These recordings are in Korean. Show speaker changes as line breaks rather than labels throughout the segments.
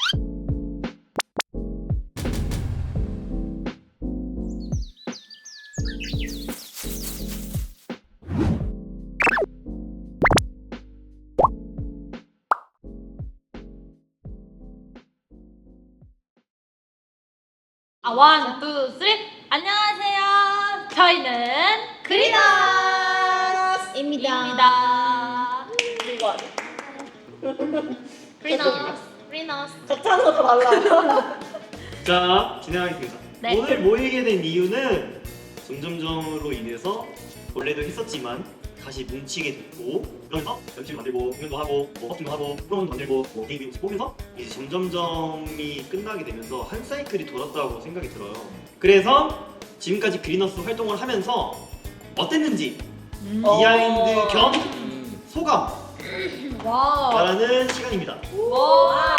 원, 투, 쓰리. 안녕하세요. 저희는 그리너스입니다.
이거
그리너스.
적잖아 더 달라.
자, 진행하겠습니다.
네.
오늘 모이게 된 이유는 점점점으로 인해서 원래도 했었지만 다시 뭉치게 됐고, 그러면서 연출 만들고 공연도 하고 뭐 퍼팅도 하고 프로그램도 만들고 뭐 게임도 보면서 이제 점점점이 끝나게 되면서 한 사이클이 돌았다고 생각이 들어요. 그래서 지금까지 그리너스 활동을 하면서 어땠는지 비하인드 겸 소감
와.
말하는 시간입니다.
와.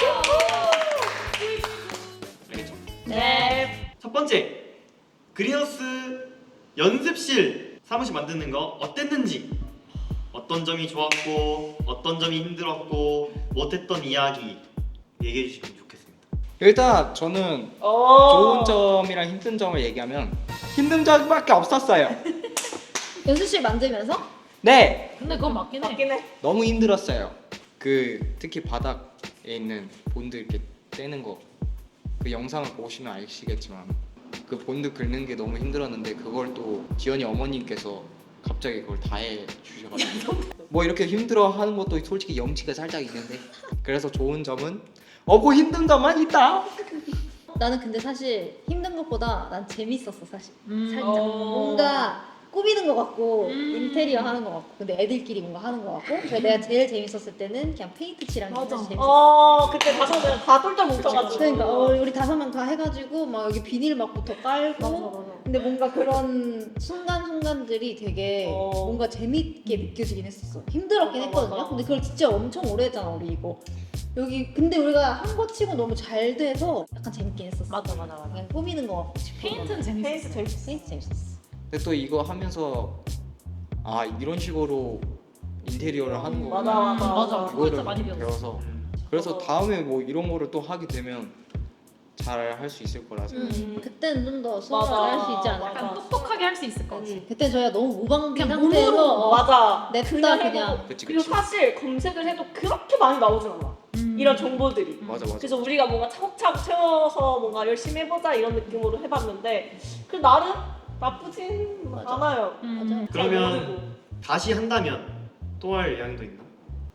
알겠죠?
네.
첫 번째, 그리너스 연습실 사무실 만드는 거 어땠는지, 어떤 점이 좋았고 어떤 점이 힘들었고 못했던 이야기 얘기해 주시면 좋겠습니다.
일단 저는 좋은 점이랑 힘든 점을 얘기하면 힘든 점밖에 없었어요.
연습실 만들면서?
네,
근데 그건 맞긴 해.
맞긴 해.
너무 힘들었어요. 특히 바닥에 있는 본드 이렇게 떼는 거, 그 영상을 보시면 아시겠지만 그 본드 긁는 게 너무 힘들었는데 그걸 또 지연이 어머님께서 갑자기 그걸 다 해 주셔가지고 뭐 이렇게 힘들어하는 것도 솔직히 염치가 살짝 있는데, 그래서 좋은 점은 없고 힘든 점만 있다.
나는 근데 사실 힘든 것보다 난 재밌었어 사실. 살짝
어.
뭔가 꾸미는 것 같고 인테리어 하는 것 같고, 근데 애들끼리 뭔가 하는 것 같고. 그래서 내가 제일 재밌었을 때는 그냥 페인트 칠하는 게
맞아.
사실 재밌었어.
그때 다섯 명다 똘똘 뭉쳐가지고.
그러니까 우리 5명 다 해가지고 막 여기 비닐 막부터 깔고. 근데 뭔가 그런 순간순간들이 되게 뭔가 재밌게 느껴지긴 했었어. 힘들었긴
맞아,
했거든요.
맞아.
근데 그걸 진짜 엄청 오래 했잖아 우리 이거. 여기 근데 우리가 한 거 치고 너무 잘 돼서 약간 재밌긴 했었어.
맞아.
그냥 꾸미는 거 같고 싶어.
페인트는 재밌어.
페인트 재밌어.
페인트 재밌었어.
근데 또 이거 하면서 이런 식으로 인테리어를 하는 거
맞아. 그거 진짜
이거를
많이 배웠어.
배워서, 그래서 다음에 뭐 이런 거를 또 하게 되면 잘 할 수 있을 거라 생각해요.
그때는 좀 더
맞아.
수월하게 할 수 있지 않을까.
약간 똑똑하게 할 수 있을 것 같아.
그때 저희가 너무 무방비
그냥
상태에서
몸으로.
맞아.
냅다
해도-
그냥.
그치
그리고
그치.
사실 검색을 해도 그렇게 많이 나오진 않아. 이런 정보들이.
맞아.
그래서 우리가 뭔가 차곡차곡 채워서 뭔가 열심히 해보자 이런 느낌으로 해봤는데 그 나름 나쁘진
맞아.
않아요.
맞아.
그러면 다시 한다면 또 할 의향도 있나?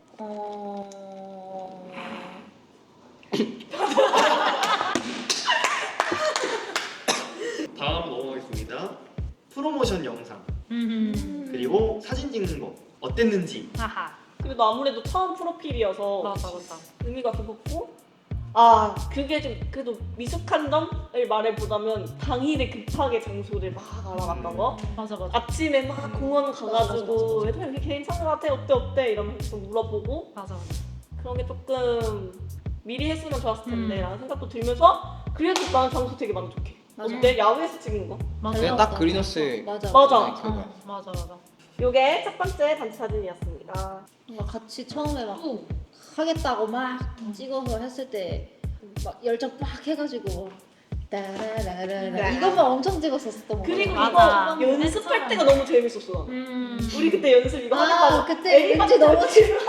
다음 넘어가겠습니다. 프로모션 영상 그리고 사진 찍는 거 어땠는지.
하하.
그래도 아무래도 처음 프로필이어서
맞아.
의미가 깊었고, 그게 좀 그래도 미숙한 점을 말해보자면 당일에 급하게 장소를 막 알아봤던 거.
맞아.
아침에 막 공원 가가지고 얘들아 여기 괜찮은 것 같아, 어때 이러면서 물어보고,
맞아.
그런 게 조금 미리 했으면 좋았을 텐데 라는 생각도 들면서, 그래도 나는 장소 되게 만족해.
맞아.
어때? 야외에서 찍은 거?
맞아.
그냥 딱 그리너스의
맞아.
맞아.
맞아.
요게 첫 번째 단체 사진이었습니다.
뭔가 같이 처음에 막
오.
하겠다고 막 찍어서 했을 때 막 열정 빡 해가지고 따라라라라 이것만 엄청 찍었었던 거
그리고
맞아.
이거 연습할 때가 너무 재밌었어. 나는. 우리 그때 연습 이거 하겠다고
그때 왠지 너무 재밌어.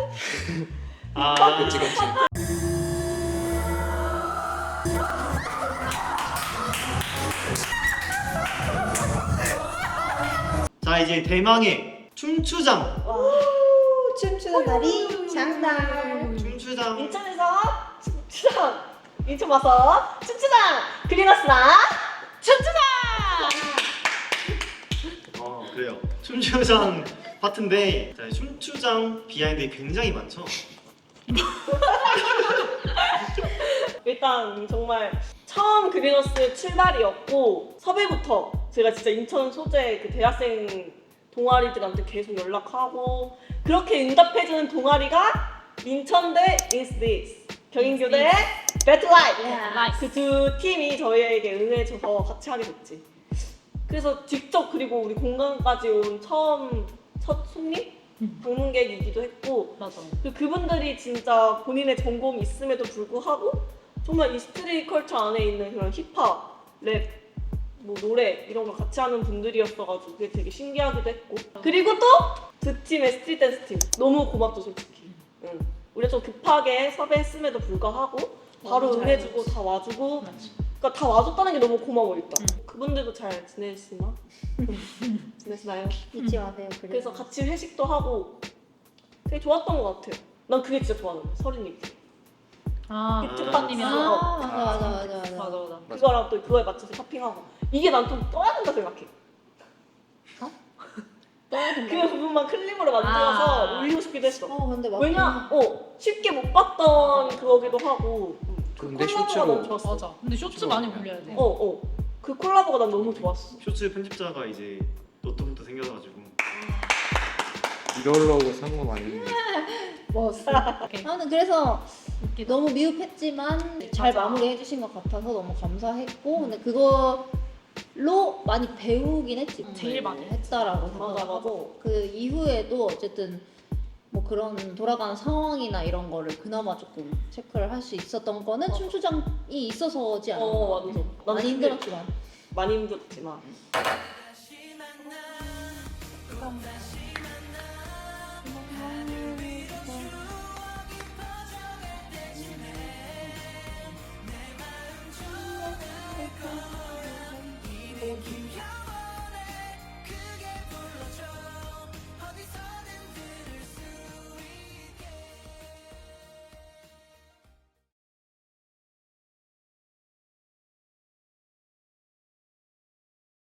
그치.
자, 이제 대망의 춤추장.
춤추는 날이 장날.
춤추장.
인천에서 춤추장, 인천 와서 춤추장, 그리너스랑 춤추장.
그래요. 춤추장 파트인데, 자, 춤추장 비하인드 굉장히 많죠.
일단 정말 처음 그리너스 출발이었고, 섭외부터 제가 진짜 인천 소재 그 대학생 동아리들한테 계속 연락하고, 그렇게 응답해주는 동아리가 인천대 Is This, 경인교대 배틀라이프. 그 두 팀이 저희에게 응해줘서 같이 하게 됐지. 그래서 직접, 그리고 우리 공간까지 온 첫 손님? 방문객이기도 했고
맞아.
그분들이 진짜 본인의 전공이 있음에도 불구하고 정말 이 스트릿 컬처 안에 있는 그런 힙합, 랩, 뭐 노래 이런 걸 같이 하는 분들이었어가지고 그게 되게 신기하기도 했고 그리고 또 두 팀의 스트릿 댄스 팀 너무 고맙죠 솔직히. 응. 우리가 좀 급하게 섭외했음에도 불구하고 바로
너무
응해주고
잘해줬어.
다 와주고
맞지.
그러니까 다 와줬다는 게 너무 고마워 일단. 그분들도 잘 지내시나? 지내시나요?
잊지 마세요.
그래서 같이 회식도 하고 되게 좋았던 것 같아요. 난 그게 진짜 좋았는데 서린이
아,
비트
오빠님이랑.
아,
파티.
맞아, 맞아.
그거랑 또 그거에 맞춰서 쇼핑하고 이게 난 좀 떠야 된다 생각해.
떠야 된다.
그 부분만 클립으로 만들어서
아.
올리고 싶기도 했어.
근데 맞긴
왜냐, 쉽게 못 봤던 그거기도 하고
근데
콜라보가
쇼츠로
너무 좋았어.
맞아. 근데 쇼츠 많이 올려야 돼.
그 콜라보가 난 너무 좋았어.
쇼츠 편집자가 이제 노트북도 생겨가지고
이러려고 산 건 아닌데.
멋있어.
오케이.
아무튼 그래서
웃기다.
너무 미흡했지만 잘
맞아.
마무리해주신 것 같아서 너무 감사했고 근데 그걸로 많이 배우긴 했지.
제일 많이
했다라고
맞아,
생각하고 그 이후에도 어쨌든 뭐 그런 돌아가는 상황이나 이런 거를 그나마 조금 체크를 할 수 있었던 거는 춤추장이 있어서지 않나.
맞아. 난
많이
그게
힘들었지만.
많이 힘들었지만.